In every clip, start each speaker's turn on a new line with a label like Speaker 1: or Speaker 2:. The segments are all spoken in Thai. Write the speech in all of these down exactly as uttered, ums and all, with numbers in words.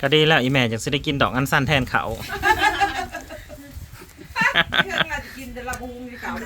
Speaker 1: ก็ดีแล้วอีแม่จะได้กินดอกอันสั้นแทนเขา
Speaker 2: กินแต่ละบุงที่เก่า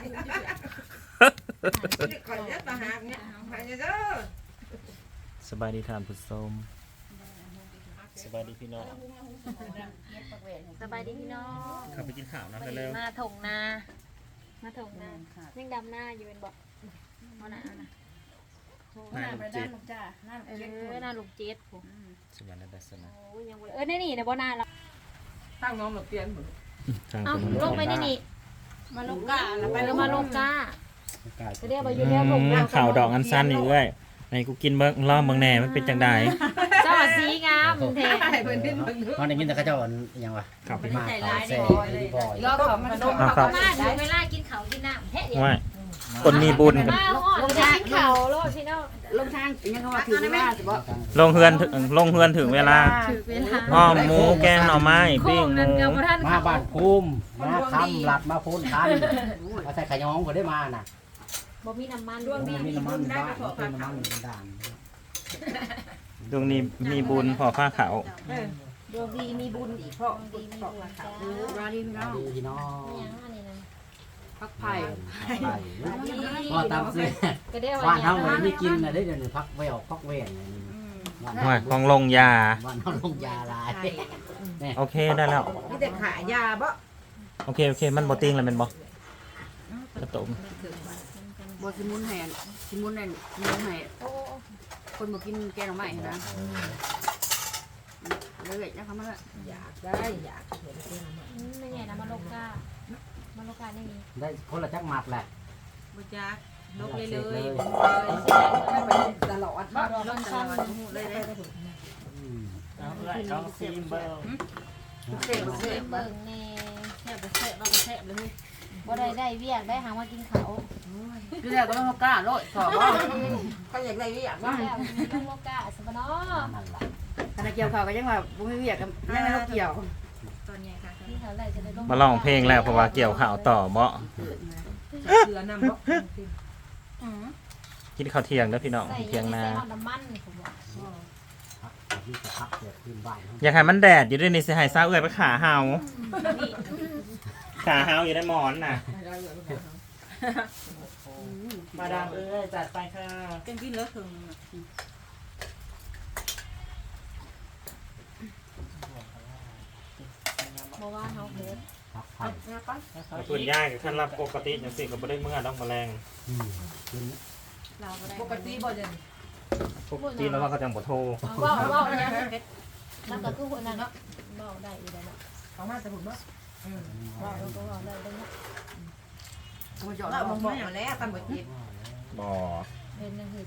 Speaker 2: ก่อนยัดมาหาเนี่ยหายเด้อ
Speaker 1: สบายดีทานผู้ชมสบายดีพี่น้อง
Speaker 3: สบายดีพี่น้อง
Speaker 1: ขับไปกินข้าวนะเร็ว
Speaker 3: มาถงนามาถงนายังดำหน้าอยู่เป็นบอกมาหน้านะ
Speaker 1: นายลูกเจ็ด
Speaker 3: เออหน้าลูกเจ็ดผม
Speaker 1: สวัสดีสนะ
Speaker 3: โอ้ยยังเออในนี่นะบ่หน้าเรา
Speaker 2: ตั้งน้องหลบเตียนเหมือน
Speaker 3: เอ้าลงไปในนี่
Speaker 2: มาลงกาแล้ว
Speaker 3: ไป
Speaker 2: ไป
Speaker 3: แล้วมาลงก้าจะเรียกว่าอยู่แล้วผม
Speaker 1: ข่าวดอกอันสั้นนี่เอ้ยไอ้กูกินเบิ้งล่อเบิ้งแหน่มันเป็นจังได
Speaker 3: เจ้าสีงามแท้
Speaker 2: เพิ่นเป็นเพิ่น
Speaker 4: มันได้ยินแต่เขาเจ้าอย่างวะ
Speaker 1: ขับไป
Speaker 4: มาเขาแซ่ดีบ่อย
Speaker 2: รอบของมันลง
Speaker 3: ประมาณถึงเวลากินเขากินน้ำแท้เดียว
Speaker 1: ว่าคนมีบุญกัน
Speaker 3: มาหอดจะกินเขาโลดพี่น้อง
Speaker 2: ลงทางยังว่าถือว่าสิบ่
Speaker 1: ลงเฮือนถึงลงเฮือนถึงเวลา
Speaker 3: ถือเวลา
Speaker 1: อ้อมหมูแกงหน่อไม้
Speaker 3: โค้
Speaker 1: ปิ้ง
Speaker 3: ง
Speaker 1: ห
Speaker 3: นั่น
Speaker 1: มู
Speaker 3: กับท่าน
Speaker 4: มา
Speaker 3: เขา
Speaker 4: บ้านภูมิมาคำหลัดมาพูนทันมาใส่ขยองก็ได้มาน่ะ
Speaker 3: บ่มีน้ำมัน
Speaker 4: มีน้ำมันบ้านมีน้ำมันด่าน
Speaker 1: ดวงนี้มีบุญพอผ้าขาว
Speaker 3: ดวงดีมีบุญอีกเพราะดีมีบุญจ้าร
Speaker 2: อดีพี่น้อง
Speaker 4: ดีพี่น้อง
Speaker 3: อย่างอันนี้นะ
Speaker 2: พักไผ่
Speaker 4: พอตามซื้อ
Speaker 3: ก็ได้
Speaker 4: บ้า
Speaker 3: ว่าน
Speaker 4: เฮาไม่ได้กินนะได้เดี๋ยวนี้พักแววพักเวนบ้าน
Speaker 1: ว่าของลงยา
Speaker 4: บ้านเฮาลงยาลาย
Speaker 1: โอเคได้แล้ว
Speaker 2: นี่แต่ขายยาบ่
Speaker 1: โอเคโอเคมันบอติ้งแล้วเป็นบอกระตุก
Speaker 5: บ่สิมุนให้สิมุนให้มุนให้คนบ่กินแกงหน่อไม้นะเลยนะคำว่า
Speaker 2: อยากได้อยากเห็นเป็นมัน
Speaker 3: ไม่ใหญ่นะมาโลกามาโลกานี่มี
Speaker 4: ได้คนละจักหมัดแหละ
Speaker 5: บ่จักลกเลยเลย
Speaker 2: ตลอด
Speaker 3: มาดอกมันสั้น
Speaker 5: เลยเลย
Speaker 1: เอาเลยเอาซีมเบล
Speaker 5: เสียบ
Speaker 3: เส
Speaker 5: เสียบ
Speaker 3: เบิ่งแน่
Speaker 5: เสียบเสียบเราก็เสียบเลย
Speaker 3: บ่ได้ได้เวียกได้หาว่ากินเขา
Speaker 5: คือแล้วก็ต้องกล้าโลดสอบว่า
Speaker 2: เขาอยากได้อยาก
Speaker 3: ว่า
Speaker 2: ว่า
Speaker 3: แล้วมีโลกาสบเนาะ
Speaker 4: นั่นแหละ
Speaker 5: ขณะเกี่ยวข้าวก็ยังว่าบ่มีเวียกกันยังไม่เกี่ยว
Speaker 3: นี่เขาได้จะได้ลง
Speaker 1: มาลองเพลงแล้วเพราะว่าเกี่ยวข่าวต่อเบา
Speaker 2: เสือนำบ่
Speaker 1: กินข้าวเที่ยงแล้วพี่น้อง
Speaker 3: ใส่
Speaker 1: เที่ยงนา
Speaker 3: ใส่น้ำมันผมบอก
Speaker 4: พักที่จะพักเกิดขึ้นบ้าน
Speaker 1: อยากให้มันแดดอยู่ด้วยนี่สิให้ซาเอื้อยไปขาเฮาขาเฮาอยู่ในหมอนน่ะมาดามเอ้ยจัดไปค่ะ
Speaker 5: กินกินแล้วถึง
Speaker 3: บ่ว่าเฮาเฮ็ด
Speaker 4: พักไผ่
Speaker 1: คุณย่ายกับขั้นรับปกติอย่างสิ่งก็ไม่ได้เมื่อต้องมาแรง
Speaker 4: อืมกิน
Speaker 3: เราบ่ได้
Speaker 2: ปกติบ่จะ
Speaker 1: ปกติแล้วว่าเขาจังบ่โทร
Speaker 3: ว้าวว้าวนะแล้วก็คือคนนั้นเนาะเว้าได้อีกแล้วเนาะ
Speaker 2: เขามาแต่ผมบ่อืม
Speaker 3: เว้าแล้วก็เว้าได้เด้อเนาะ
Speaker 5: บ่จอด
Speaker 2: เรา
Speaker 5: เรา
Speaker 2: ม
Speaker 5: บ่
Speaker 2: อง
Speaker 5: บ่
Speaker 2: มาแล้วตำบ่จิต
Speaker 1: บ่
Speaker 3: เป็นจังซี่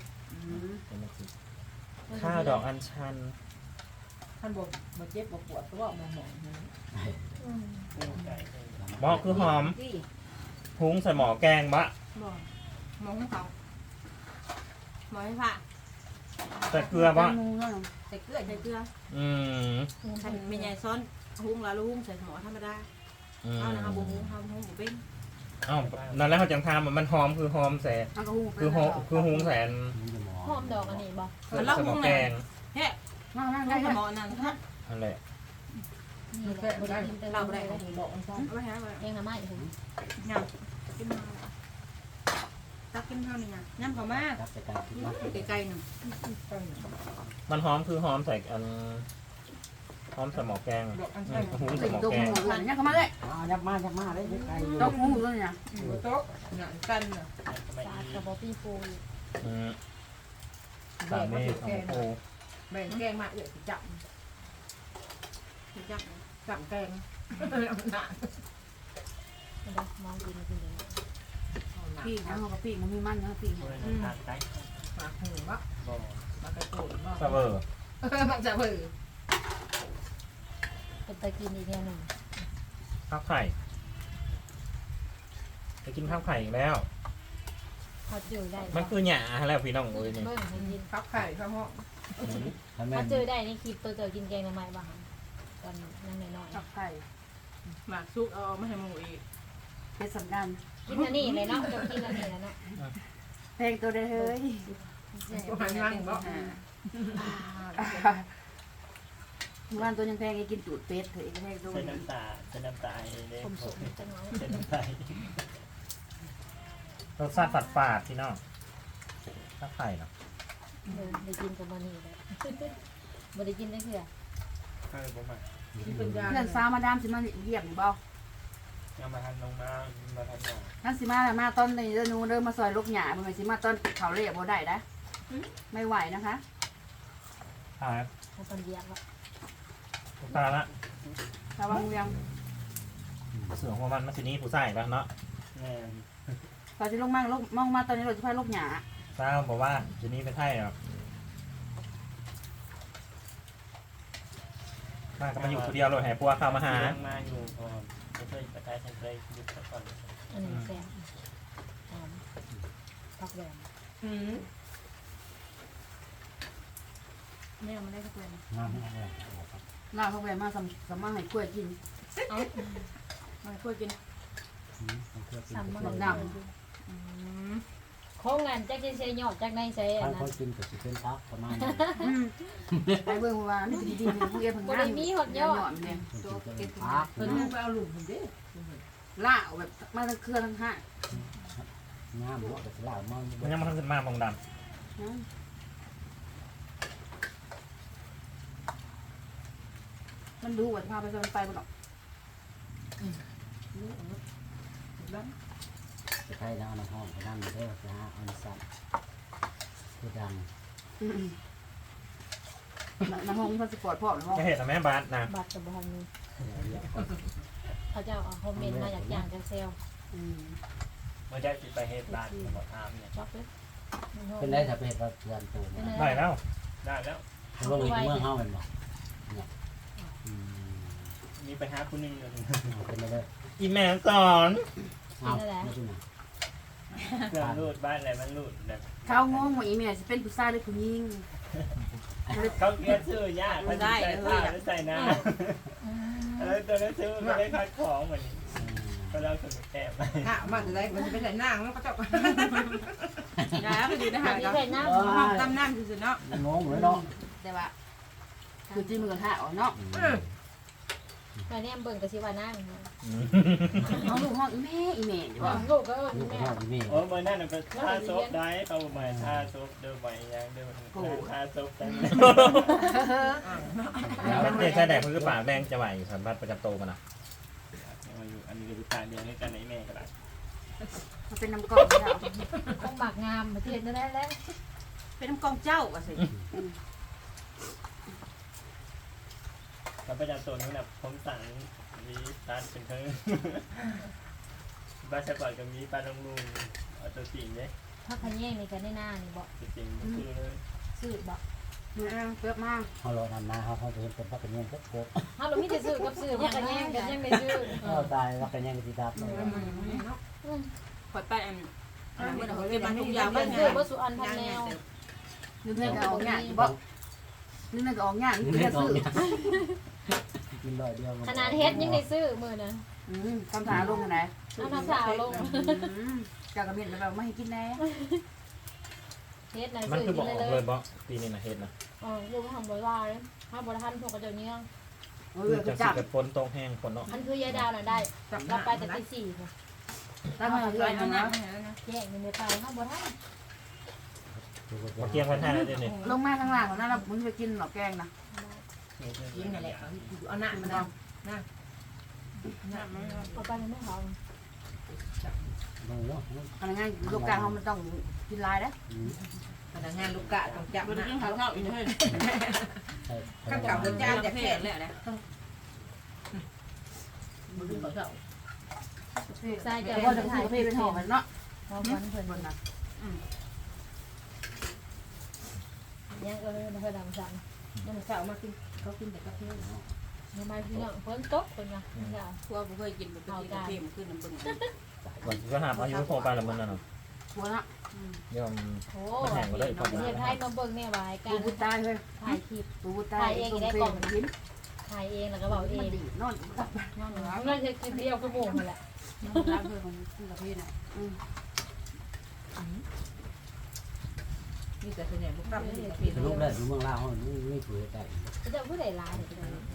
Speaker 1: ข้าวดอกอัญชัน
Speaker 2: ท่านบ่บ่เจ็บบ่ปวดก็ว่ามาหมอง
Speaker 3: อืม
Speaker 1: บ่คือหอมพุ้งใส่หมอแกงบะ
Speaker 5: บ่มองเขาบ่ให้ผ่า
Speaker 1: ใส่เกลือบ่
Speaker 5: มูเนาะ
Speaker 2: ใส่เกลือ
Speaker 5: ใส่เกลือ
Speaker 1: อืม
Speaker 5: คันแม่ใหญ่ซ้อนหุงละลุงใส่หม้อธรรมดา
Speaker 1: อืม
Speaker 5: เอานะคะบ่หุงเฮาหุงบ่เป็น
Speaker 1: เอ้านั่นแล้วเขาจังทำมันหอมคือหอมแสน
Speaker 5: เฮาก็หุง
Speaker 1: คือหอมคือหุงแสน
Speaker 3: หอมดอกอันนี้บ่
Speaker 1: ใส่หมอแกง
Speaker 5: นั่งๆได้หม้อนั่นฮะ
Speaker 1: นั่นแหละ
Speaker 3: นี่แหละบ่ได้กินแต่เราบ่ได้
Speaker 2: บอกอันซ่อน
Speaker 5: เอาไปหาไว้
Speaker 3: เองน่ะมาอีกผม
Speaker 5: ยำกินมาตักกินเท่านี้ยำเข้ามา
Speaker 4: จับไปไกลกินมา
Speaker 5: ไกลๆหนึ่ง
Speaker 1: มันหอมคือหอมใส่อันหอมใส่หมอแกง
Speaker 2: บอกอัน
Speaker 1: อื
Speaker 2: ซ่อ
Speaker 1: ม
Speaker 2: น
Speaker 1: หุงใส่หมอ
Speaker 5: ตก
Speaker 1: แก
Speaker 5: ห
Speaker 1: ง
Speaker 5: มูหลังยำเข้ามาเลย
Speaker 4: อ๋อยับมายับมาเลยไกลอยู่
Speaker 5: ตกหมูตัวนี้
Speaker 2: โต๊ะหนังกันน่ะ
Speaker 3: สาดกับบ่พี่ปู
Speaker 1: อืม
Speaker 2: แบ่
Speaker 1: สาง
Speaker 2: มา
Speaker 1: มี
Speaker 2: สุด
Speaker 1: ขอ
Speaker 2: แก
Speaker 1: ง
Speaker 2: ง
Speaker 1: โอ้
Speaker 2: แบ่งแกงมาเอื้อสิจับ
Speaker 5: จับ
Speaker 2: จับแกงหนัก
Speaker 3: เด้อมองกินกินเด้อ
Speaker 5: พี่นะเขากับพี่มันมีมันนะพี่
Speaker 2: หมากหูบ่มากระโดดบ่
Speaker 1: ซาเวอร์
Speaker 2: มันจะเบื่อ
Speaker 3: เป็นตะกินอีกแนวหนึง
Speaker 1: ข้าวไข่ไปกินข้าวไข่อีกแล้ว
Speaker 3: เขาเจอได้
Speaker 1: มันคือหยาแล้วพี่น้องเอ้ยนี่
Speaker 3: เบิ่งให้กิน
Speaker 2: พับไข่ข้าวห้อง
Speaker 4: ถ้าแม่
Speaker 3: เขาเจอได้ในคลิปตัวเจอกินแกงทำไมบ้างตอนนั่งน้อย
Speaker 5: จับไข่หมากซุกเอามาให้หมูอีกเป็นสำคัญ
Speaker 3: ๆกินอันนี้เลยเนาะจะกินอันนี้แล้วเนาะ
Speaker 5: เพลงตัวเด้เฮ้ย
Speaker 2: หันหลังบ่
Speaker 5: อ่าวันตัวยังแพงไอ้กินตูดเป็ดเถอะไอ้แพงตัว
Speaker 1: เส้นน้ำตาเส้นน้ำตาเองเด้
Speaker 3: ผมสมจังเนาะ
Speaker 1: เส้นน้ำตาร
Speaker 2: สชาติฝาดฝาดพี่น้องถ้าไข่เนาะ
Speaker 3: เออได้กินกับมันนี่เลยบ่ได้กินได้เถื่อ
Speaker 1: ใช่ผมอ่ะ
Speaker 5: เพื่อนสาวมาดามสิมาเรียกหรือเปล่า
Speaker 1: ยังมาทันลงมามาทันมา
Speaker 5: ท่านสิมามาตอนในเดือนนู้นเริ่มมาซอยลูกหยาเมื่อสิมาตอนเขาเรียกบ่ได้นะไม่ไหวนะคะ
Speaker 2: ตาย
Speaker 3: เอาตอนเดียวว่า
Speaker 2: ตายละ
Speaker 5: ระวังยัง
Speaker 2: เสือหัวมันมาสินี้ผู้ใส่แล้วเนาะ
Speaker 1: แน่
Speaker 5: ตอนที่ลงมาลงมองมาตอนนี้เราจะพาลูกหยา
Speaker 2: เศร้าบอกว่าสินี้ไปไทยหรอกมาก็มาอยู่คนเดียวเลยแห่ปัวเข้ามาหา
Speaker 1: ยังมาอยู่พอไม่เคยประกายฉันเคยหยุดสักก่อน
Speaker 3: อันนี้แซ่บหอมผักแหวน
Speaker 5: อืม
Speaker 3: ไม่เอามาได้สักเลยนะ
Speaker 4: น้ำไม่ได้
Speaker 5: ลาเขาไปมาสำสำมาให้กล้วยกิน
Speaker 3: เอา
Speaker 5: มาให้กล้วยกิน
Speaker 3: สามมัน
Speaker 5: ด
Speaker 3: ดำโค้งงานจักจะเซยอดจากในเซย
Speaker 4: ท่าน
Speaker 3: นะ
Speaker 4: คนกินก็สิเป็นทักประมาณนี้
Speaker 5: อืมไปเบิ่งว่านี่ดีๆเนี่ยพวกเอ๋เพิ่ง
Speaker 3: บ่ได้มีหดยอด
Speaker 5: เนี่ย
Speaker 4: ตัวกินพัก
Speaker 2: เพิ่นไปเอาหลุมผมดิ
Speaker 5: ล่าเอาแบบมาทั้งเครือทั้งห้าง
Speaker 4: งามหัวกับสลามัน
Speaker 2: มันยังมาทำสิมาบองด
Speaker 5: นะมันดูว่าพาไปจนไปบ่หรอก
Speaker 4: ใครนะเอาน้ำห้องไปนั่งเด้อนะฮะอันสั่นคือดัง
Speaker 5: อืมน้ำห้องพาสปอร์ตพ่อหรือ
Speaker 2: ำ
Speaker 5: ห้อง
Speaker 2: จะเห็นแม่บาสนะ
Speaker 3: บัตรกับบอลนี่เขาจะเอาคอมเมนต์มาจากอย่างจากเซล
Speaker 5: อืม
Speaker 1: เมื่อได้สิไปเฮดบ้านบอกทามเนี่ย
Speaker 3: ช็อกเลย
Speaker 4: เป็นได้ถ้าเป็นว่าเพื่อนตัวนะ
Speaker 2: ได้แล้ว
Speaker 1: ได้แล้ว
Speaker 4: เพราะว่ามีเมืองเฮาเป็นบ่เนี่ยอืม
Speaker 1: มีไปหาคุณนึงเลย
Speaker 4: เอาเป็นไปเลย
Speaker 2: อีแม่สอน
Speaker 4: เอาไม่ใช่ไหม
Speaker 1: เครื่องรูดบ้านอะไรมันรูดแบบ
Speaker 5: เขางงว่าอีเมลจะเป็นผู้ชายหรือผู้หญิง
Speaker 1: เขาเกลียดชื่อยากมันใส่ผ้าแล้วใส่น้ำเออตัวนั้นซื้อก็ได้คัดของเหมือนก็เราถึงแอบไป
Speaker 2: ถ้ามันจะได้มันจะเป็นไหนนั่งแล้วก็จะ
Speaker 5: นะมันอยู่ในหา
Speaker 3: มี
Speaker 5: ดก็
Speaker 3: ใครน้
Speaker 2: ห้องตำน้ำสุดเนาะ
Speaker 4: งงเลยเนาะ
Speaker 5: แต่ว่าคือจีมือกันหาเนาะ
Speaker 3: ำมาเนี่ยเบิ่งกับชิวานั่ง
Speaker 5: เอาลูกห้องอีแม่อีแม่อยู่ว่า
Speaker 3: ลูกก็
Speaker 4: ลูก
Speaker 3: แม่
Speaker 4: พ่อแม่
Speaker 1: โอ้เมื่อนั้นเป็นท่าซบได้เขาเหมือนท่าซบเดิมใหม่ยังเดิมท่าซบแต่
Speaker 2: เด็กชายแดกมันคือปากแดงจะไหวสัมผัสประจำโตมันนะ
Speaker 1: อยู่อันนี้คือการเดียวให้กันในแม่ก็ได้
Speaker 5: มันเป็นน้ำกองเจ้า
Speaker 3: ต้องหมากงามมาเทียนนั่นแหละ
Speaker 5: เป็นน้ำกองเจ้าก็สิ
Speaker 1: แล้วประจำตัวนู้นแบบผมสั่งมีร้านเป็นเพิ่งบ้านสปอร์ตกับมีปลาลงลุงเอาตัวจริงเลย
Speaker 3: ถ้าขยี้ในกันได้หน้านี่บอก
Speaker 1: ตัวจริงคือเลย
Speaker 3: ซื้อบอก
Speaker 5: มือเยอะมาก
Speaker 4: เขารอนำนาเขาเขาจะเป็นพักกันยังก็โคตร
Speaker 3: ถ้าเราไม่ได้ซื้อกับซื้อว่าขยี้กันยังไม่ซื้อ
Speaker 4: เขาตายพักกันยังก็ติดดับเลย
Speaker 5: ขอดไปอัน
Speaker 2: เมื่อเราเก็บมันทุกอย่าง
Speaker 3: มั
Speaker 2: มัน น
Speaker 3: ซื้อว่าสุอันพันแนว
Speaker 5: นึกเงินก็ออกงานบ่นึกเงินก็ออกงานนี่
Speaker 4: นี่
Speaker 5: ก็
Speaker 4: ก็
Speaker 5: ซื้อ
Speaker 4: กินลอยเดียว
Speaker 3: ขนาดเฮ็ดยังได้ซื้อมือนะ
Speaker 5: อืมคำถามลงกันไหน
Speaker 3: เอาน้ำสาวลง
Speaker 5: จากกระเบียนแบบไม่ให้กินแน่
Speaker 3: เฮ็ดนะ
Speaker 2: มัน
Speaker 3: ซื้อ
Speaker 2: คือบอก
Speaker 3: กิน
Speaker 2: ออก
Speaker 3: เล
Speaker 2: เลย ยบอกปีนี้นะเฮ็ดนะ
Speaker 3: อ๋อลูกทำบริวารเลยถ้าบริทันพวกกระเจ้าเนี้ย
Speaker 5: เอ
Speaker 2: คือ
Speaker 5: อ
Speaker 2: จะ
Speaker 5: จั
Speaker 2: สิ
Speaker 5: บ
Speaker 2: เกิดฝนตกแห้งฝนเนาะ
Speaker 3: มันคือยายดาวน่ะได้เราไปแต่ตีสี่ค่ะ
Speaker 5: ถ้ามันคืออันนั้น
Speaker 3: แยกมันไม่ไปถ้าบริทัน
Speaker 2: มาเกียงวันท่าเลยนี่
Speaker 5: ลงมาข้างล่างของนั่นเรามึงไปกินหรอแกงนะ
Speaker 2: กินนั่นแหละเอาหน้า
Speaker 5: มั
Speaker 2: มัน น
Speaker 5: เอา
Speaker 2: เอา
Speaker 3: เอาไปมันไม่หอม
Speaker 4: มือเนาะ
Speaker 5: อันนั้นลูกกลางเขามันต้องกินลายนะ
Speaker 2: พนักงานลูกกะต้องจับนะเขาเข้าอีกเลย
Speaker 4: ใช่
Speaker 2: ข้าวเก่าเป็นจานจะแข็งเลยนะมือเขาเข้า
Speaker 3: ใส่
Speaker 5: แต่
Speaker 3: จะ
Speaker 5: ว่า
Speaker 3: ว่า
Speaker 5: จะ
Speaker 3: จะ
Speaker 5: ซื้
Speaker 3: ถ่า
Speaker 5: อย กาแฟเป็นห่อมันเนาะ
Speaker 3: หอมมันเพิ่น
Speaker 5: บนนะ
Speaker 3: ยังก็เลยไม่ค่อยดังสั่ง
Speaker 2: มันเข้ามากินเขากินแต่กาแฟ
Speaker 3: ทำไมพี่น้องเพิ่นตกเพิ่นนะอย่า
Speaker 2: พวกเคยกินแบบกินกาแฟมันขึ้นน้ำบึ้งก่อนก็หาอายุโผล่ไปละมันน่ะเนาะ
Speaker 5: หัวละ
Speaker 2: ยอม
Speaker 3: โอ้ประเทศไทยมาเบิ่งแม่วายกั
Speaker 5: ปู
Speaker 3: น
Speaker 5: บุตายเลย
Speaker 3: ถ่ายคลิป
Speaker 5: ปูบุตายต้มเฟมันกิน
Speaker 3: ถ่ายเองแล้วก็บอกเอ
Speaker 5: มัน
Speaker 3: ง
Speaker 5: ดีนอนกับ
Speaker 3: นั่นน่าจะกินเดียวก็โมงแหละ
Speaker 5: ร้านเพื่อนของกินกาแฟน่ะมีแต่ส่วนใหญ่พวกกับนี่
Speaker 4: สรุปแล้วอยู่เมืองลาวเขาไม่ไม่ถูกใจ
Speaker 3: จะเอาผู้ใดลายเนี่ย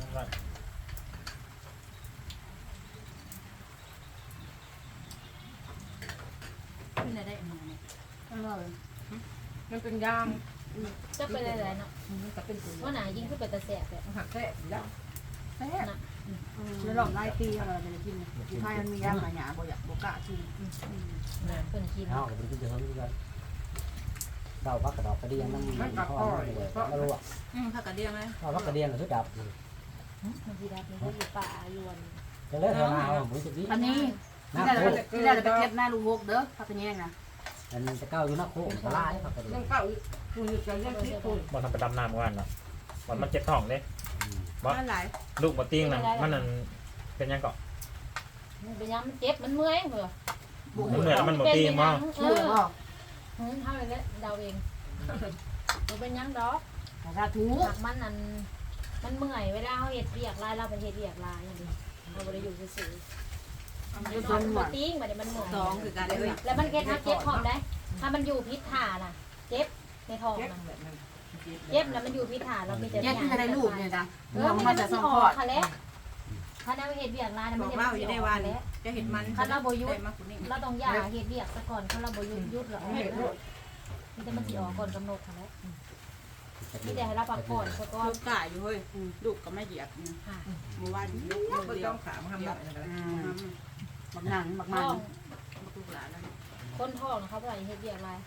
Speaker 5: ไม่ได้มาเนี่ยมันเป็นยาง
Speaker 3: จะไปหลายๆเนาะ
Speaker 5: มันก็เป็นตัว
Speaker 3: ว่าหนายิงขึ้นไปตะแสบเลย
Speaker 5: หักแท้ยางแท้
Speaker 6: แล้วลองไล่ปีอะไรจะกินที่ไทยมันมีย่างหลายอย่างบ่อยากบ่กล้ากิน
Speaker 3: เพิ่นกิน
Speaker 4: เขาก็เป็นที่เดิมที่กันเดาพักกระดอกกระเดียงนั่งพ่อเลยไม่รู้อ่ะ
Speaker 5: อืมผักกระเดียงเลย
Speaker 4: เดาพักกระเดียงหรือชุดดับ
Speaker 3: มันสิดับมันก็อยู่ป่าอยู่วัน
Speaker 4: จะเลิกเท่านาผมจะดี
Speaker 6: อันนี้
Speaker 4: นัก
Speaker 6: ที่ได้
Speaker 4: โค
Speaker 6: ที่ได้ไปเก็บหน้าลูกหกเด้อพักกันแย่งนะ
Speaker 4: อันจะก้าวอยู่นักโคกลายพักกระเดีย
Speaker 5: ต้
Speaker 4: ง
Speaker 5: องเข้าคุณจะเรียกที่คุณ
Speaker 2: มันทำไปดำน้ำกันเนาะมันมันเจ็บท้องเด้
Speaker 5: มันหลาย
Speaker 2: ลูกบ่ติ้งนั่นมันนั่นเป็นยังเกาะ
Speaker 3: มันเป็นยังมันเจ็บมันเมื่อยเหรอ
Speaker 2: มันเหนื่อยแล้วมันบ่ติ้งมั้ง
Speaker 3: เอ
Speaker 6: ชื่อ
Speaker 3: อ
Speaker 6: บ่
Speaker 3: เฮ้ยเท่าไรแล้วเดาเองมันเป็นยังดอก
Speaker 6: ถ้าถู
Speaker 3: หากมันนั่นมันเมื่อยเวลาเขาเห็ดเรียกลายเราไปเห็ดเรียกลายอย่างนี้เราไม่ได้อยู่ซื่อๆมันมันติ้งมันมันเหนื่อย
Speaker 5: สองคือการได้เลย
Speaker 3: แล้วมันเก็บทับเจ็บพร้อมได้ถ้ามันอยู่พิษถ่าน่ะ เจ็บในท้องนะเจ็บแล้วมันอยู่พิษถ่าเรามีแต่
Speaker 6: แย่ที่จะได้ลูกเนี่ยจ้ะ
Speaker 3: เออ
Speaker 6: มัน
Speaker 3: มั
Speaker 6: มาน จาก
Speaker 3: จะ
Speaker 6: สอง
Speaker 3: อ
Speaker 6: ค
Speaker 3: อ
Speaker 6: อก
Speaker 3: ค่ะแล้วถ้าเราเห็ดเรียกลายมัน
Speaker 5: บอก
Speaker 3: จะ
Speaker 5: ว่าอยู่ได้วัน
Speaker 3: แล้ว
Speaker 5: จะเห็นมัน
Speaker 3: คันเราโบยุ
Speaker 5: ได้
Speaker 3: ด
Speaker 5: มากกว่านี้
Speaker 3: เราต้องยาเห็ดเรียกซะก่อนคันเราโบยุดยุดแล้วมีแต่มันสีออกก่อนกำหนดค่ะแล้วมีแต่ให้เราพักผ่อนซะก่อน
Speaker 5: ลูกกายอยู่เฮ้ยลูกก็ไม่เหยียบ
Speaker 3: ค่ะ
Speaker 5: เมื่อวานลูกลูกเดียวขามาทำแบบนั้น
Speaker 6: อืมบักหนังบัก
Speaker 3: ท้
Speaker 6: มัน
Speaker 3: อง
Speaker 5: ลูกหลานแล้ว
Speaker 3: คนท้องนะครับอะไรเห็ดเรียกลาย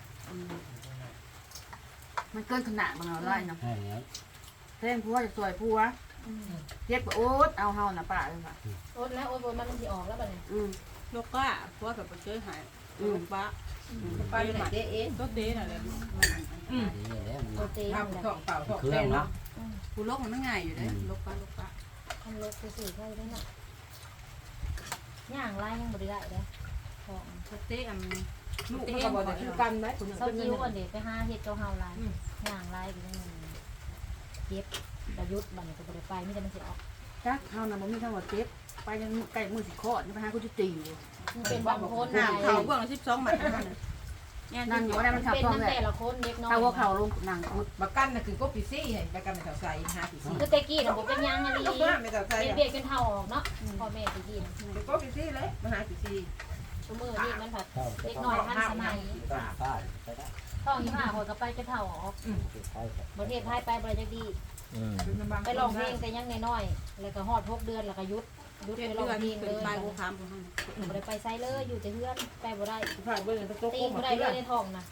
Speaker 6: มันเกินขนาดบางเอาไล่เนาะ
Speaker 4: ใช่แล้ว
Speaker 6: เพ่งผัวจะสวยผัวเจ็บโอ๊ตเอาเฮาน่ะป้าเลยค่ะ
Speaker 3: โอ๊ตแล้วโอ๊ตมันมันสีออกแล้วแบบนี้
Speaker 6: อืม
Speaker 5: ลูกป้าเพราะแบบเจอหายลูกป้าป้าอยู่ไหนเจ๊เอ๊ะก็เจ๊น่ะเลย
Speaker 4: ดีแล้วมัน
Speaker 3: โปรตีน
Speaker 5: ทำท้องเปล่าท้อง
Speaker 4: เครื่
Speaker 5: เต้
Speaker 4: อง
Speaker 5: น
Speaker 4: เนาะ
Speaker 5: เนาะกูลกมันง่ายอยู่เลยลกป้าลกป้า
Speaker 3: ทำรถคือสื่อใช่ไหมเนาะย่างไล่ยังบริได้เลยท้อง
Speaker 5: เจ๊อันลูก
Speaker 6: เต้
Speaker 5: มัน
Speaker 6: น
Speaker 5: ก็
Speaker 6: บ่
Speaker 5: บอก
Speaker 6: ได้
Speaker 5: จะ
Speaker 6: คือ
Speaker 5: กั
Speaker 6: กัน นได้คุณ
Speaker 3: เศร้าจิ้วก่อนเด็กไปห้าเห็ดเกาเฮาลายย่างไล่ไปนั่นเจ็บประยุทธ์บันก็บริไปไม่ได้มันสิออก
Speaker 6: จักเฮาน่ะบ่มีทั้งหมดเจ็บไปจนใกล้มือสิคลอดนี่ไปหากูจะตีอยู่
Speaker 3: มันเป็นบางคน
Speaker 5: หนาเขาเบื้องสิบสองหมัด
Speaker 6: นั่งอยู่ว่าได้มันขับ
Speaker 3: เป็น
Speaker 6: ท้อง
Speaker 3: ตั้ง
Speaker 6: เลย
Speaker 3: แต่ละคนเด็กน้อย
Speaker 6: ถ้าว่าเขาลงหนังพุด
Speaker 7: บักกันน่ะคือก็ปีซี่เห็นบักกันเป็นแถวใส่หาปีซี่
Speaker 3: คือเตกี้นะผมเป็นย่างอะไร
Speaker 7: ก็มาเป็นแถวใส่
Speaker 3: เป็น
Speaker 7: อะ
Speaker 3: เบียดจนเท่าออกเนาะพ่อแม่ตะกี้
Speaker 7: คือก็ปีซี่เลยมาหาปีซี่
Speaker 3: ตัวมือนี่มันผัด
Speaker 4: เข้า
Speaker 3: เด็กน้อยทันสมัย
Speaker 4: ต้นฟ้าไปได้
Speaker 3: ท้องยี่ห้าหัวกับไปจะเท่าออก
Speaker 4: ใช่
Speaker 3: ประเทศไทยไปบริจาคดี
Speaker 2: อืม
Speaker 3: ไปลองเพลงแต่ยังน้อยๆแล้วก็ฮอดหกเดือนแล้วก็ยุดยุด
Speaker 5: เจ็ด
Speaker 3: ไปล
Speaker 5: เดื
Speaker 3: อง
Speaker 5: อน
Speaker 3: เพลง
Speaker 5: เป็
Speaker 3: เล
Speaker 5: น
Speaker 3: ย
Speaker 5: ปลายกูคามกูให้
Speaker 3: บ่ได้ไปไซเลยอยู่แต่เพื่อนไปบ่ได้
Speaker 7: ผ่านเบื้องเป็นโต๊ะ
Speaker 3: ตี
Speaker 7: โค้ง
Speaker 3: บ่
Speaker 7: มา
Speaker 3: ได้
Speaker 7: ที่
Speaker 3: เล
Speaker 7: ละ
Speaker 3: ยในท้องนะ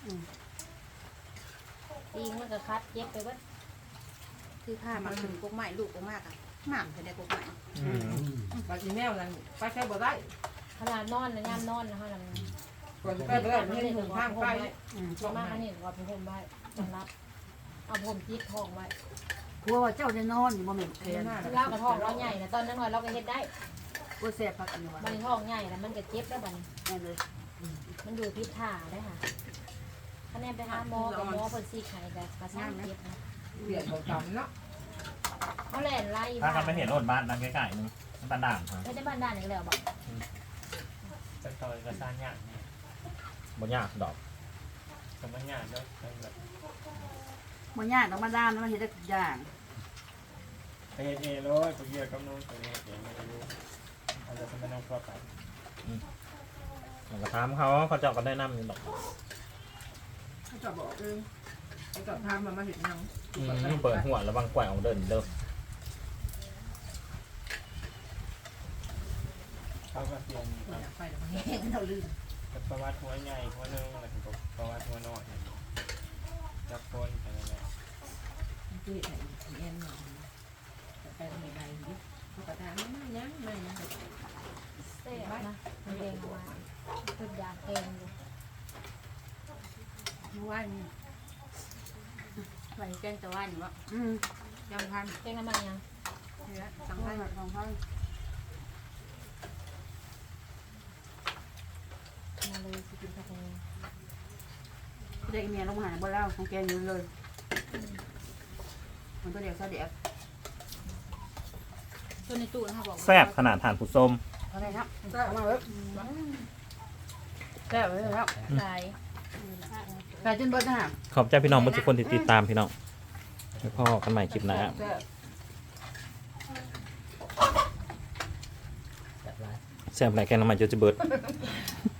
Speaker 3: ตีมันก็คัดเย็บไปเบิด
Speaker 5: คือผ้ามาถึงกุ๊กใหม่ลูกกุ๊กมากอ่ะหม่ำจะได้กุ๊กใหม่
Speaker 2: อืม
Speaker 7: บักอีแมวนั่นไปใช้บ่ได้
Speaker 3: ขนาดนอนนะย่ำนอนนะฮะนั่น
Speaker 7: ก่อนจะไปบ่ได้ไม่เห็นหูข้างไป
Speaker 3: ช่วงมากอันนี้ว่าเป็นผมไว้สำรับเอาผมจิตท้องไว้
Speaker 6: ผัวว่าเจ้าจะนอนอยู่บ่แม่นแคน
Speaker 3: เล่ากับท้องเราใหญ่นะตอนนั้นเราก็เฮ็ดได้
Speaker 6: กูแซ่บพักอันนี้ว่า
Speaker 3: มันท้องใหญ่แล้วมันก็เจ็บแล้วบัดนี้
Speaker 6: แม่นเลย
Speaker 3: มันอยู่พิษถ่าได้ค่ะคะแนนไปหาหมอกับหมอเพิ่นซีกให้แต่กระซ่างเจ็บนะ
Speaker 7: เปลี่ยนของจำเนาะ
Speaker 3: เขาแล่นไล่
Speaker 2: ถ้าเขาไม่เห็นรถบ้านนั่งใกล้ๆนึงมันตาด่างครับ
Speaker 3: ไม่ได้บ้านด้านอีกแล้วบอก
Speaker 1: จะต่อยกระซานยากนี่
Speaker 2: บ่ยากดอก
Speaker 1: แต่มันยากด้วยแบบ
Speaker 6: บ่ยากดอกมาดามแล้วมันเฮ็ดได้ทุกอย่าง
Speaker 1: ไปเฮ็ดเองเลยไปเกี่ยวกับนู้นไปเฮ็ดเองไม่รู้อาจจะเป็นน้องครอบครัว
Speaker 2: แล้วก็ถามเขาเขาเจ้าก็ได้นำอยู่ดอก
Speaker 7: เขาจะบอกเองเขาจะพามามาเห็นยัง
Speaker 2: อืมเปิดหัวระวังแกว่งเอาเดินเด้อ
Speaker 1: เขาก็เปลี่ยน
Speaker 7: อยากไปแต่มันแห้งเราลืม
Speaker 1: ประวัติหัวใหญ่หัวนึงแล้วก็ประวัติหัวน้อยจับคนอะไรแบบ
Speaker 7: ที่ไหนเอ็นหน่อยไปทำไมไรนี่เขาก็ถามไม่ยังไม่ยัง
Speaker 3: เซ่บนะมันเองเอามาเป็นยางเองอยู่
Speaker 5: เมื่อวานนี่ไปแกงตะวันวะ
Speaker 6: อืม
Speaker 5: จำพัน
Speaker 3: เองน้ำมันยัง
Speaker 5: เนี่ยสัง
Speaker 6: เอา
Speaker 5: พัน
Speaker 6: ละของเขา
Speaker 3: มาเลยสิกินกาแฟ
Speaker 6: เด็กเมียลงมาหาบ่แล้วของแกอยู่เลยมันตัวเดียวซะเดียว
Speaker 5: ตัวในตู้นะคะบอก
Speaker 2: แซ่บขนาดทานผู้ส้ม
Speaker 6: เอาได้ครับเอามาเว้ยแซ่บเลยครับ
Speaker 5: ตาย
Speaker 6: เ
Speaker 5: แต่จนเบิดนะฮะ
Speaker 2: ขอบใจพี่น้องทุกคนที่ติดตามพี่น้องแล้วพอกันใหม่คลิปหน้า
Speaker 4: แบบไร
Speaker 2: แซ่บไหนแกงน้ำมันจะจะเบิด
Speaker 4: เ